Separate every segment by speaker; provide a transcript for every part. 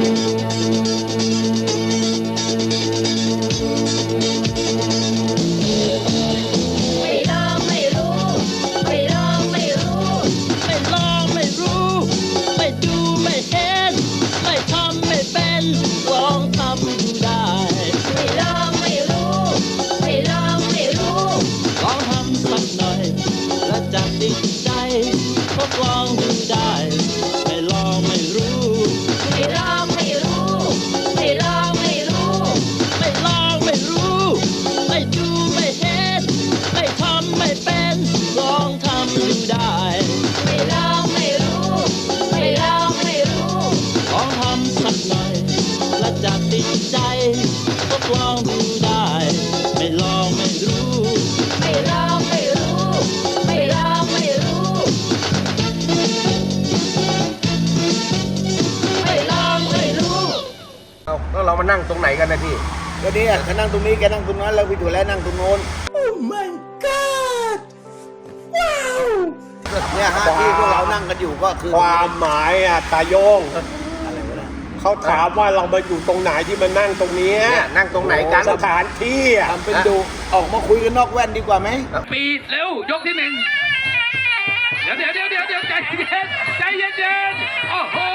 Speaker 1: แล้วเรามานั่งตรงไหนกันนะพี่ก็นี่แกนั่งตรงนี้แกนั่งตรงนั้นแล้วพี่ถั่วแล้วนั่งตรงโน้น Oh my god ว้าวเนี่ยฮะที่พวกเรานั่งกันอยู่ก็คือ
Speaker 2: ความหมายอ่ะตาโยงเขาถามว่าเรามาอยู่ตรงไหนที่มานั่งตรงนี้
Speaker 1: นั่งตรงไหนกัน
Speaker 2: สถานที่อ่ะ
Speaker 1: ทำเป็นดูออกมาคุยกันนอกแว่นดีกว่าไหม
Speaker 3: ปีเร็วยกที่หนึ่งเดี๋ยวใจเย็นโอ้โห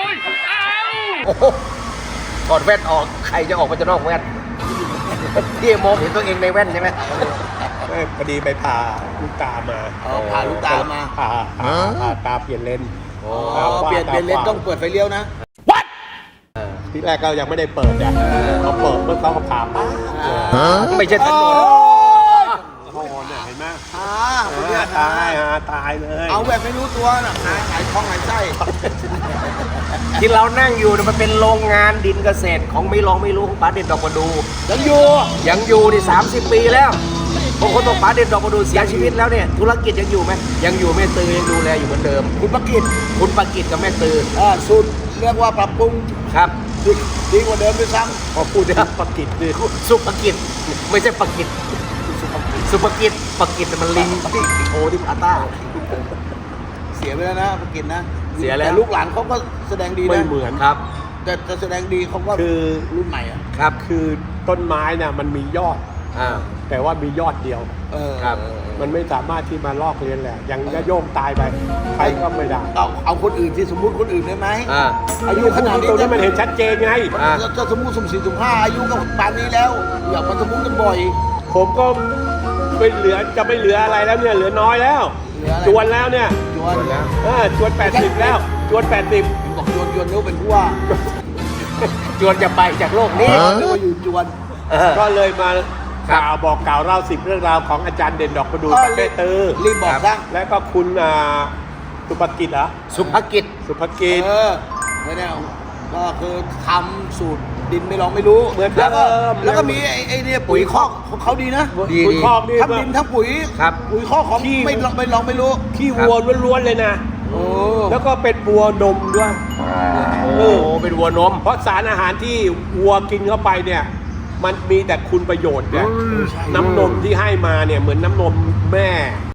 Speaker 1: ถอดแว่นออกใครจะออกมาจะนอกแว่นพี่มองเห็นตัวเองในแว่นใช่ไหม
Speaker 2: พอดีไปผ่าลูกตามา
Speaker 1: ผ่าลูกตามา
Speaker 2: ผ่าตาเปลี่ยนเลน
Speaker 1: เปลี่ยนเลนต้องเปิดไฟเลี้ยวนะ
Speaker 2: ที่แรกก็ยังไม่ได้เปิดเนี่ยเขาเปิดเมื่อเขาผ่าปั๊บ
Speaker 1: ไม่ใช่ถนน
Speaker 2: เห็นไหมตายเลย
Speaker 1: เอาแบบไม่รู้ตัวน่ะหายท้องหายไส้ที่เรานั่งอยู่มันเป็นโรงงานดินเกษตรของไม่รู้ของป๋าเด่นดอกประดูยังอยู่นี่30 ปีแล้วบางคนบอกป๋าเด่นดอกประดูเสียชีวิตแล้วเนี่ยธุรกิจยังอยู่ไหมยังอยู่แม่ตือยังดูแลอยู่เหมือนเดิมคุณประกิตกับแม่ตือสุดเรียกว่าปรับปรุงครับดีกว่าเดิมด้วยซ้ำ
Speaker 2: พอพูดได้ประกิตดิ
Speaker 1: สุภกิจไม่ใช่ประกิตสุภกิจมันลิงที่โชว์ที่พาต้าเสียไปแล้วนะประกิตนะเสียแล้วลูกหลานเขาก็แสดงดีนะ
Speaker 2: ไม่เหมือนครับ
Speaker 1: แต่แสดงดีเขาก็
Speaker 2: คือ
Speaker 1: รุ่นใหม่อ่ะ
Speaker 2: ครับคือต้นไม้น่ะมันมียอดแต่ว่ามียอดเดียว
Speaker 1: ครับ
Speaker 2: มันไม่สามารถที่มาลอกเลียนแหละยังจะโยมตายไปใครก็ไม่ได้
Speaker 1: เอาคนอื่นที่สมมุติคนอื่นได้ไหม
Speaker 2: อายุขนาดนี้ตรงนี้มันเห็นชัดเจนไง
Speaker 1: จะสมมุติสุ่ม4 สุ่ม 5อายุก็ป่านนี้แล้วอย่ามาสมมุติกันบ่อย
Speaker 2: ผมก็ไม่เหลือจะไม่เหลืออะไรแล้วเนี่ยเหลือน้อยแล้วจวนแล้วเนี่ย
Speaker 1: จวนแล้ว
Speaker 2: จวน80แล้วจวน80
Speaker 1: บอกจวนนู้เป็นผู้ว่าจวนจะไปจากโลกนี้นึกว่าอยู่จวน
Speaker 2: ก็เลยมากล่าวเล่า10 เรื่องราวของอาจารย์เด่นดอกประดูกับแม่ตือ
Speaker 1: รีบบอกซะ
Speaker 2: แล้วก็คุณสุภกิจเหรอ
Speaker 1: สุภกิจ
Speaker 2: เนี่ย
Speaker 1: ก็คือทำสูตรดินไม่ลองไม่รู้
Speaker 2: เหมือน
Speaker 1: แล้วก็มีไอ้เนี่ยปุ๋ยคอกของเขาดีนะ
Speaker 2: ปุ๋ยคอก
Speaker 1: ทั้งดินทั้งปุ๋ยคอกของไม่ลองไม่รู้
Speaker 2: ขี้วัวล้วนๆเลยนะแล้วก็เป็นวัวนมด้วย
Speaker 1: เป็นวัวนม
Speaker 2: เพราะสารอาหารที่วัวกินเข้าไปเนี่ยมันมีแต่คุณประโยชน์เนี่ยน้ำนมที่ให้มาเนี่ยเหมือนน้ำนมแม่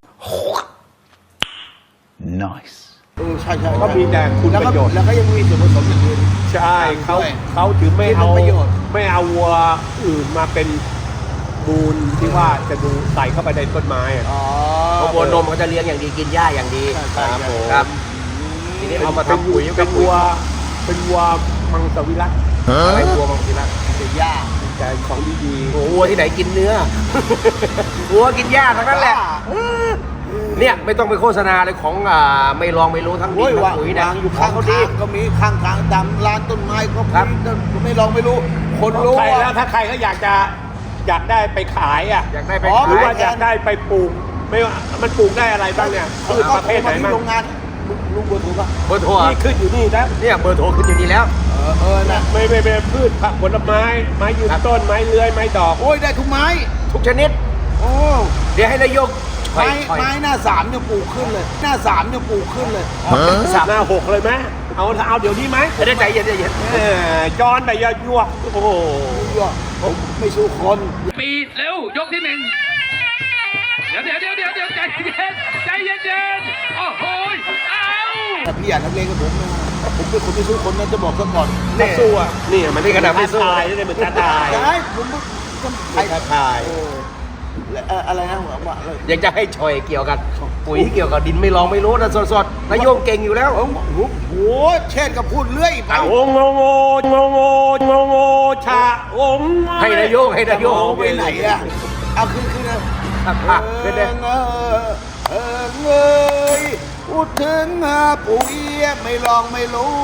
Speaker 1: nice ใช่
Speaker 2: ก็มีแต่คุณประโยชน์
Speaker 1: แล้วก็ยังมีส่วนผสมอย่างอื่น
Speaker 2: ใช่เขาถือไม่เอาวัวอื่นมาเป็นมูลที่ว่าจะดูใส่เข้าไปในต้นไม้
Speaker 1: เพราะวัวนมเขาจะเลี้ยงอย่างดีกินหญ้าอย่างดีครับ
Speaker 2: ทีนี้เอามาทำปุ๋ยเป็นวัวมังสวิรัติ
Speaker 1: อะไรวัวมังสวิรัติเป็นหญ้า
Speaker 2: แต่ของดี
Speaker 1: ๆวัวที่ไหนกินเนื้อวัวกินหญ้าทั้งนั้นแหละเนี่ยไม่ต้องไปโฆษณาเลยของไม่ลองไม่รู้ทั้งดินทั้งปุ๋ยนะอยู่ข้างเขาดีก็มีข้างทางตามร้านต้นไม้ก็มีไม่ลองไม่รู้คนรู้
Speaker 2: ใครแล้วถ้าใครก็อยากได้ไปขาย
Speaker 1: อยากได้ไป
Speaker 2: หรือว่าอยากได้ไปปลูกไม่ว่ามันปลูกได้อะไรบ้างเนี่ยพืชประเภทไหนบ้าง
Speaker 1: โรงงานลุงเบอร์โทรป่ะ
Speaker 2: เบอร์โทรขึ้นอยู่นี่นะ
Speaker 1: เนี่ยเบอร์โทรขึ้นอยู่นี่แล้ว
Speaker 2: นะไม่พืชผักผลไม้ยืนต้นไม้เลื้อยไม้ดอก
Speaker 1: โอ้ยได้ทุกไม้ทุกชนิดเดี๋ยวให้นายกไม้หน้า3เนี่ยปลูกขึ้นเลยหน้า3เนี่ยปลูกขึ้นเลย
Speaker 2: หน้า6เลยไหมเอาเดี๋ยวนี้ไหม
Speaker 1: จะได้ใจเย็น
Speaker 2: ย้อนไปยั่วโอ้โห
Speaker 1: ผมไม่สู้คน
Speaker 3: ปีเร็วยกที่หนึ่งเดี๋ยวใจเย็นโอ้โห
Speaker 1: แต่พี่อยากทำเลงกับผมนะ
Speaker 4: ผมเป็นคนที่สู้คนนั้นจะบอกซะก่อน
Speaker 1: นี่
Speaker 2: สู้อ่ะ
Speaker 1: นี่มันนี่ขนาดไม่สู้
Speaker 2: ตายนี่เหมือนจะตาย
Speaker 4: ใช่ผมใคร
Speaker 2: ตาย
Speaker 4: อะไรนะว่าอะไร
Speaker 1: อยากจะให้ชอยเกี่ยวกับปุ๋ยเกี่ยวกับดินไม่ลองไม่รู้นะสดๆนายโยงเก่งอยู่แล้ว
Speaker 4: โอ้โหเช่นก็พูดเรื่อยไป
Speaker 2: โอ้งงงชาโอ้
Speaker 1: ให้นายโยงให้นายโยง
Speaker 4: ไปไหนอะเอาขึ้นนะ
Speaker 1: ขึ้นเลย
Speaker 4: เงยพูดถึงปุ๋ยไม่ลองไม่รู้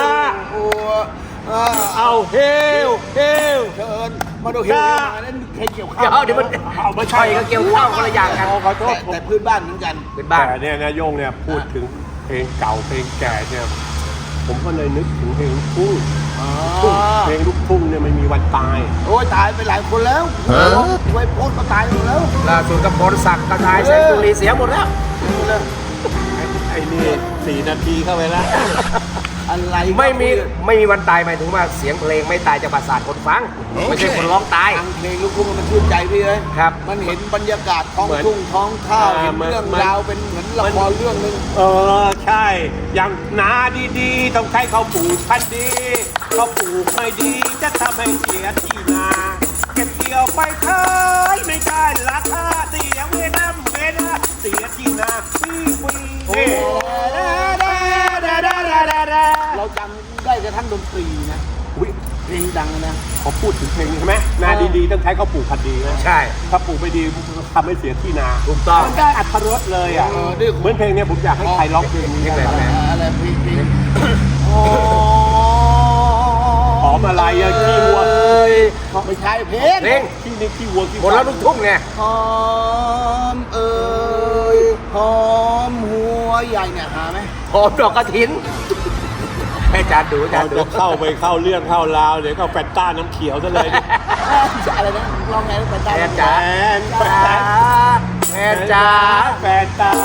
Speaker 2: เอาเฮล
Speaker 4: เชิญมาดูเฮียมาแล้วใครเกี่ยวข้าว
Speaker 1: เดี๋ยวมัน
Speaker 2: เอามา
Speaker 1: ชอยกับเกี่ยวข้าวคนละอย่างกัน
Speaker 2: ขอโทษ
Speaker 4: แต่พื้นบ้านเหมือนกัน
Speaker 1: เป็นบ้าน
Speaker 2: แต่เนี่ยนะโยงเนี่ยพูดถึงเพลงเก่าเพลงแก่เนี่ยผมก็เลยนึกถึงเพลงลูกทุ่งเพลงลูกทุ่งเนี่ยไม่มีวันตาย
Speaker 4: โอ้ยตายไปหลายคนแล้วไว้โพสก็ตายหมดแล้ว
Speaker 1: ล่าสุดกับพรศักดิ์กระชายแสงสุรีเสียหมดแล้ว
Speaker 2: ไอ้นี่4 นาทีเข้าไปแล้ว
Speaker 4: อะไร
Speaker 1: ไม่มีวันตายหมายถึงว่าเสียงเพลงไม่ตายจากประสาทคนฟัง ไม่ใช่คนร้องตาย
Speaker 4: ฟังเพลงลูกทุ่งมันชื่นใจพี่เลย
Speaker 1: ครับ
Speaker 4: มันเห็นบรรยากาศท้องทุ่งท้องข้าวเห็นเรื่องราวเป็นเหมือนละครเรื่องนึง
Speaker 2: ใช่อย่างนาดีๆต้องใช้เขาวปลูกพันธุ์ดีเขาปลูกไม่ดีจะทำให้เสียที่นาเก็บเกี่ยวไปขายไม่ได้ราคาเสียเวลาเสียที่นาฟรี
Speaker 4: เราจำได้กระทั่งดนตรีนะ
Speaker 2: อุ๊ย
Speaker 4: เพลงดังนะ
Speaker 2: เขาพูดถึงเพลงนี้ใช่ไหมนาดีๆต้องใช้เขาวปลูกพันธุ์ดีนะ
Speaker 1: ใช่
Speaker 2: ถ้าปลูกไม่ดีทำให้เสียที่นา
Speaker 1: ถูกต้อง
Speaker 2: มันได้อัตรสเลยอ่ะ
Speaker 4: นี่
Speaker 2: เหมือนเพลงเนี้ยผมอยากให้ใครร้องเพลงนี้
Speaker 1: เพลงอะไร
Speaker 4: อะไรเพลง
Speaker 2: หอมอะไรอะขี้วัว
Speaker 4: ไม่ใช่เพลง
Speaker 1: เพลง
Speaker 2: ขี้นี่ขี้วัวขี้
Speaker 1: หมดแล้วลูกทุ่งไง
Speaker 4: หอมหอมหัวใหญ่เนี่ยหาไหม
Speaker 1: หอมดอกกระถินให้อาจารย์ดูอา
Speaker 2: ต
Speaker 1: จา
Speaker 2: อ
Speaker 1: ร
Speaker 2: น
Speaker 1: ย์ดู
Speaker 2: จะเข้าไปเข้าเรื่องเข้าราวเดี๋ยวก็แฟนต้าน้ำเขียวซะเลยเนี่ย
Speaker 4: อะไรนะลองไงไปได้
Speaker 1: แฟนจ๋าแฟนจ๋า
Speaker 2: แฟนต้า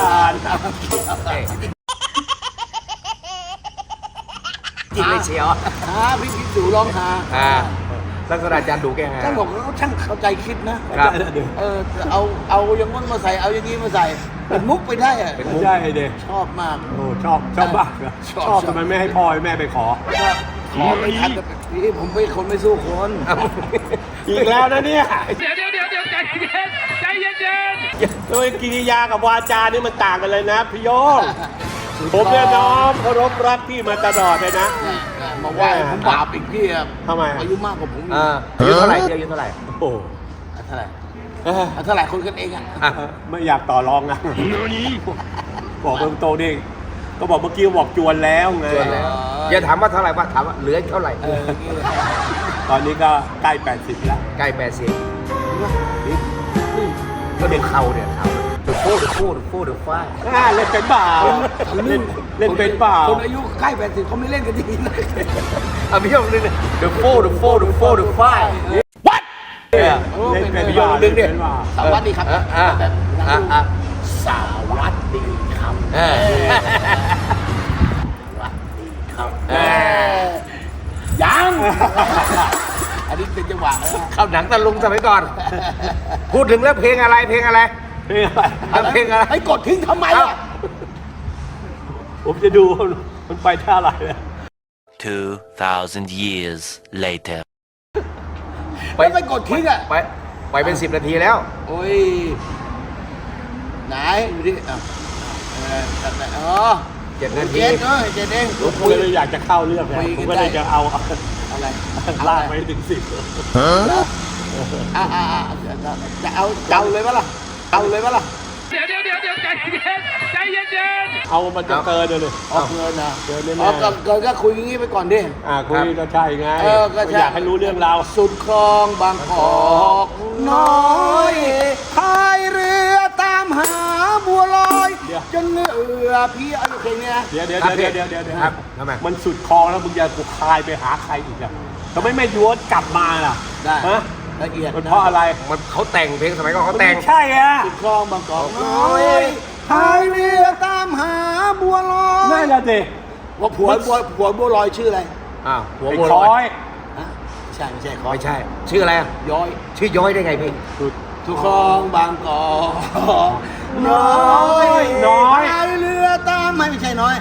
Speaker 1: จริงเลยเชียว
Speaker 4: หาพี่ดูลองหา
Speaker 1: ลักษณะอาจารย์ดูแกฮะ
Speaker 4: ท่านบอกว่าช่างเข้าใจคิดนะครับ เอาอย่างงั้นมาใส่เอาอย่างนี้มาใส่เป็นมุกไปได้อะ
Speaker 2: ไม่ใช่เด็ก
Speaker 4: ชอบมาก
Speaker 2: โอ้ชอบมากเหรอ
Speaker 4: ชอบ
Speaker 2: ชอบทำไมไม่ให้พ่อให้แม่ไปขอ
Speaker 4: ขอไม่ทันพี่ผมเป็นคนไม่สู้คน
Speaker 2: อีกแล้วนะเนี่ย
Speaker 3: เดี๋ยวใจเย็นใจเย็น
Speaker 2: โดยกิริยากับวาจานี่มันต่างกันเลยนะพี่โยงผมเนี่ยน้อมเคารพรักพี่มาตลอดเลยนะ
Speaker 4: มาไหว้ผมบาปอีกพี่อะ
Speaker 2: ทำไม
Speaker 4: อายุมากกว่าผมอีก
Speaker 1: อายุเท่าไหร่อายุเท่าไหร่
Speaker 2: โอ้
Speaker 4: เท่าไหร่เท่าไหร่คนกันเองอะ
Speaker 2: ไม่อยากต่อรองนะบอกตรงๆนี่ก็บอกเมื่อกี้บอกจวนแล้วไง
Speaker 1: จวนแล้ว อย่าถามว่าเท่าไหร่ว่าถามว่าเหลือเท่าไหร่
Speaker 2: ตอนนี้ก็ใกล้80แล้ว
Speaker 1: ใกล้80ก็เด็กเข่าเนี่ยเข่าเดือดฟูเดือดฟ้า
Speaker 2: เล่นเป็นเปล่าเล่นเป็นเปล่า
Speaker 4: คนอายุใกล้80เขาไม่เล่นกันดีเลย
Speaker 1: เอาพี่ยงนึงเนี่ยเดือดฟูเดือดฟ้า
Speaker 2: เล่นเป็น
Speaker 1: พี่
Speaker 2: เป
Speaker 1: ยง
Speaker 2: ล่า
Speaker 1: นึงเนี่ย
Speaker 4: สวัสดีครับแบบสวัสดีครับยัง อันนี้เป็นจังหวะ
Speaker 1: เข้าหนังตะลุงสมัยก่อน พูดถึงแล้วเพลงอะไร
Speaker 2: เพลงอะไร
Speaker 1: เพลงอะไร
Speaker 4: ให้กดทิ้งทำไมอ่ะ
Speaker 2: ผมจะดูมันไปท่าอะไรเลย
Speaker 5: 2,000 years later.
Speaker 4: ไม่กดทิ้งอ่ะ
Speaker 1: ไปเป็น10 นาทีแล้ว
Speaker 4: โอ้ยไหนดูดิอ๋อ
Speaker 1: 7 นาที
Speaker 4: เจ็ดเจ็ดเอง
Speaker 2: ผมก็เลยอยากจะเข้าเรื่องไงผมก็เลยจะเอา
Speaker 4: อะไร
Speaker 2: ลากไปถึง10
Speaker 4: จะเอาเลยปะล่ะเอาเลยปะล่ะ
Speaker 3: เดี๋ยวใจเย็น
Speaker 2: เอามันจะเกินเลย
Speaker 4: ออกเงินนะ
Speaker 2: เกินแน่
Speaker 4: ออกเกินก็คุยอย่างงี้ไปก่อนดิ
Speaker 2: คุยก็ใช่ไง
Speaker 4: ก็ใช่
Speaker 2: อยากให้รู้เรื่องราว
Speaker 4: สุดคลองบางกอกน้อยพายเรือตามหาบัวลอยจนเหนื่อยพี่อะไรเพลงเนี้ย
Speaker 2: เดี๋ยว
Speaker 1: ครับทำไม
Speaker 2: มันสุดคลองแล้วมึงจะกูคายไปหาใครอีกอ่ะทำไมไม่ย้อนกลับมาล่ะ
Speaker 4: ได้
Speaker 2: ฮะ
Speaker 4: ละเอียด
Speaker 2: มันเพราะอะไร
Speaker 1: มันเขาแต่งเพลงสมัยก่อนเขาแต่ง
Speaker 2: ไม่ใช่อ่ะ
Speaker 4: สุดคลองบางกอกน้อยพายเรือตามหาบัวลอย
Speaker 2: นั่นแหละสิ
Speaker 4: ว่าผัวบัวลอยชื่ออะไร
Speaker 1: หัว
Speaker 2: ไอ้
Speaker 1: บัว
Speaker 2: ค
Speaker 1: ล
Speaker 2: อ
Speaker 1: อย
Speaker 2: ย
Speaker 4: ไม่ใช่คอ
Speaker 1: ไม่ใช่ ชื่ออะไร
Speaker 4: ย้อย
Speaker 1: ชื่อย้อยได้ไงพี่
Speaker 2: สุด
Speaker 4: สุดคลองบางกอกน้อย
Speaker 2: น้อย
Speaker 4: พายเรือตามไม่ใช่น้อย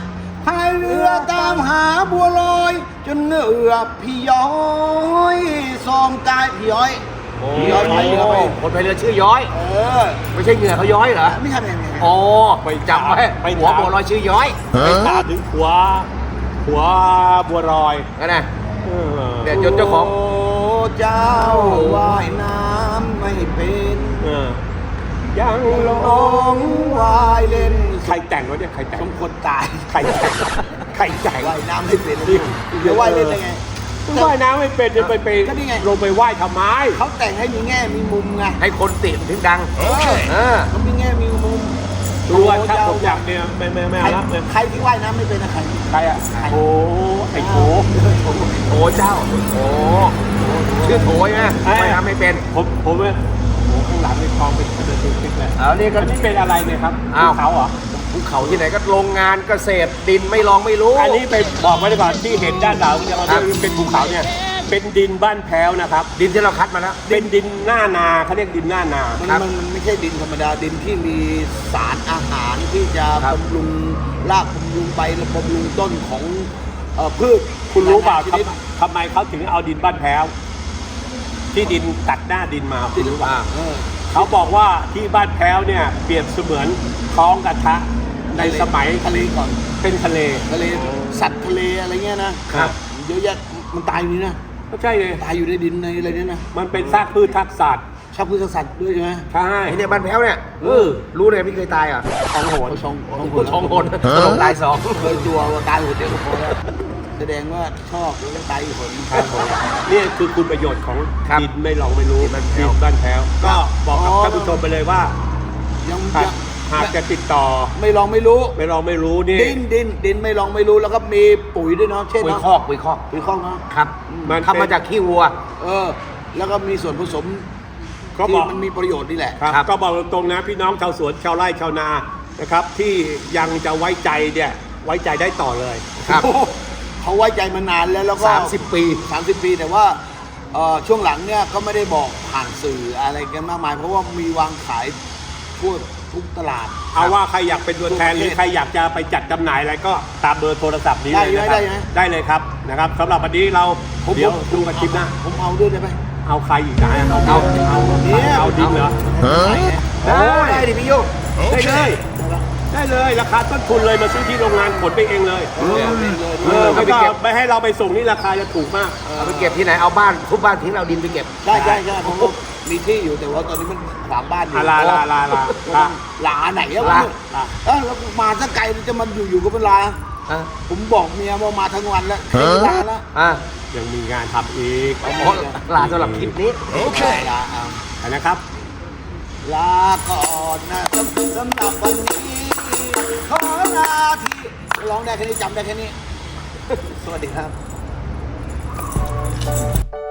Speaker 4: พายเรือตามหาบัวลอยจนเหงื่อพี่ย้อยซ้อมกายพี่ย้อยพี่ย้อยพายเรือไป
Speaker 1: คนพายเรือชื่อย้อย ไม่ใช่เหงื่อเขาย้อยเหรอ
Speaker 4: ไม่ใช่ไม่ใช่
Speaker 1: อ๋อไปจำไว้หัวบัวลอยชื่อย้อย
Speaker 2: ไปตามถึงหัวบัวลอย
Speaker 1: นั่นนะ
Speaker 2: เออ
Speaker 1: เนี่ยจนเจ้าของ
Speaker 4: โอ้เจ้าว่ายน้ำไม่เป็น
Speaker 2: เออยังหล
Speaker 4: ลงว่ายเล่น
Speaker 2: ใครแต่งวะเนี่ยใครแต่ง
Speaker 4: สมควรตาย
Speaker 2: ใครแต่งใครแต่ง
Speaker 4: ว่ายน้ำไม่เป็นเดี๋ยวว่ายเล่นได้ไง
Speaker 2: ว่ายน้ำไม่เป็นจะไป
Speaker 4: ก็นี่ไง
Speaker 2: ลงไปว่ายทำไม
Speaker 4: เขาแต่งให้มีแง่มีมุมไง
Speaker 1: ให้คนติดถึงดัง
Speaker 4: เขามีแง่มีมุม
Speaker 2: รู้ว่าถ้าผมอยากเนี่ยไม่เอาละไม่
Speaker 4: ใครที่ว่ายน้ำไม่เป็นนะใคร
Speaker 2: ใครอะโอ้ไอ้โถ
Speaker 1: โถเจ้าโถชื่อโถใช่ไหมไม่ทำไม่เป็น
Speaker 2: ผมเนี่ยโอ้ข้างหลังนี่ทองเป็นกระเดือกติ๊กเลย
Speaker 1: เอานี่ก็
Speaker 2: อันนี้เป็นอะไรเนี่ยครับ
Speaker 1: อ้าว
Speaker 2: ภูเขาเหรอ
Speaker 1: ภูเขาที่ไหนก็โรงงานเกษตรดินไม่ลองไม่รู้
Speaker 2: อันนี้ไปบอกไว้ก่อนที่เห็นด้านหลังจะมา
Speaker 1: ครับ
Speaker 2: เป็นภูเขาเนี่ยเป็นดินบ้านแพ้วนะครับ
Speaker 1: ดินที่เราคัดมาแล้ว
Speaker 2: เป็นดินหน้านาเขาเรียกดินหน้านา
Speaker 4: มันไม่ใช่ดินธรรมดาดินที่มีสารอาหารที่จะ
Speaker 1: ครับ
Speaker 4: บำรุงรากบำรุงใบและบำรุงต้นของพืช
Speaker 2: คุณรู้เปล่า
Speaker 4: ชนิด
Speaker 2: ทำไมเขาถึงเอาดินบ้านแพ้วที่ดินตัดหน้าดินมาคุณรู้เปล่า เขาบอกว่าที่บ้านแพ้วเนี่ยเปรียบเสมือนท้องกระทะในสมัย
Speaker 4: ทะเลก่อน
Speaker 2: เป็นทะเล
Speaker 4: ทะเลสัตว์ทะเลอะไรเงี้ยนะครับ เยอะแยะมันตายอยู่นี่นะ
Speaker 2: ก็ใช่เลย
Speaker 4: ตายอยู่ในดินในอะไรเนี่ยนะ
Speaker 2: มันเป็นซากพืชทักษะ
Speaker 4: ชอบพืชสัตว์ด้วยใช่ไหม
Speaker 2: ใช่
Speaker 1: ไอ้เนี่ยบ้านแพ้วเนี่ยรู้เลยพี่เคยตายอ่ะ
Speaker 4: ของโหดสอง
Speaker 1: สองคนตลกตายสอง
Speaker 4: เคยตัวว่าตายโหดเดียวก็พอแล้วแสดงว่าชอบแล้วก็ตายอีกคน
Speaker 2: นี่คือคุณประโยชน์ของ
Speaker 1: ครับ
Speaker 2: ดินไม่ลองไม่รู้
Speaker 1: ดินบ้านแพ้ว
Speaker 2: ดินบ้านแพ้วก็บอกกับท่านผู้ชมไปเลยว่า
Speaker 4: ยัง
Speaker 2: หากจะติดต่อ
Speaker 4: ไม่ลองไม่รู้
Speaker 2: ไม่ลองไม่รู้นี่
Speaker 4: ดินไม่ลองไม่รู้แล้วก็มีปุ๋ยด้วยเนาะเช่น
Speaker 1: ปุ๋ย
Speaker 4: เนาะ
Speaker 1: คอกปุ๋ยคอก
Speaker 4: ปุ๋ยข้องเนาะ
Speaker 1: ครับ
Speaker 2: มันเป็น
Speaker 1: ทำมาจากขี้วัว
Speaker 4: แล้วก็มีส่วนผสม
Speaker 2: ก็บ
Speaker 4: ที่
Speaker 2: อก
Speaker 4: มันมีประโยชน์นี่แหละ
Speaker 2: ครับ
Speaker 1: ครับ
Speaker 2: ก็บอกตรงๆนะพี่น้องชาวสวนชาวไร่ชาวนานะครับ ที่ยังจะไว้ใจเนี่ยไว้ใจได้ต่อเลย
Speaker 1: ครับ
Speaker 4: เขาไว้ใจมานานแล้วก็
Speaker 1: 30 ปี
Speaker 4: 30 ปีแต่ว่าช่วงหลังเนี่ยก็ไม่ได้บอกผ่านสื่ออะไรกันมากมาย เพราะว่ามีวางขายทั่วทุกตลาด
Speaker 2: เอาว่าใครอยากเป็นตัวแทนหรือใครอยากจะไปจัดจำหน่ายอะไรก็ตามเบอร์โทรศัพท์นี้เลยนะครับ
Speaker 4: ได้ไหม
Speaker 2: ได้เลยครับนะครับสำหรับวันนี้เราเดี๋ยวดูกันคลิปหน้า
Speaker 4: ผมเอาด้วยได้ไหม
Speaker 2: เอาใครอีกนะเอา
Speaker 4: เนี่ย
Speaker 2: เอาดินเหรอ
Speaker 1: ได้ดิพี่โย
Speaker 2: ได้เลยได้เลยราคาต้นทุนเลยมาซื้อที่โรงงานขนไปเองเลยไม่ต้องไม่ให้เราไปส่งนี่ราคาจะถูกมาก
Speaker 1: เอาไปเก็บที่ไหนเอาบ้านทุบบ้านทิ้งเราดินไปเก็บ
Speaker 4: ใช่ผมก็มีที่อยู่แต่ว่าตอนนี้มันขวางบ้านอยู่
Speaker 2: ลา
Speaker 4: ลาไหนอะ
Speaker 1: ลา
Speaker 4: แล้วมาสักไกลจะมันอยู่กับเป็นลา
Speaker 1: อ่ะ
Speaker 4: ผมบอกเมียว่ามาทั้งวันแล้วลาแล้ว
Speaker 1: อ่ะ
Speaker 2: ยังมีงานทำอีก
Speaker 1: อ๋อลาสำหรับคลิปนี้
Speaker 4: ลาเอา
Speaker 2: นะครับ
Speaker 4: ลาก่อนนะสำหรับวันนี้ขอลาที่ร้องได้แค่นี้จำได้แค่นี้ สวัสดีครับ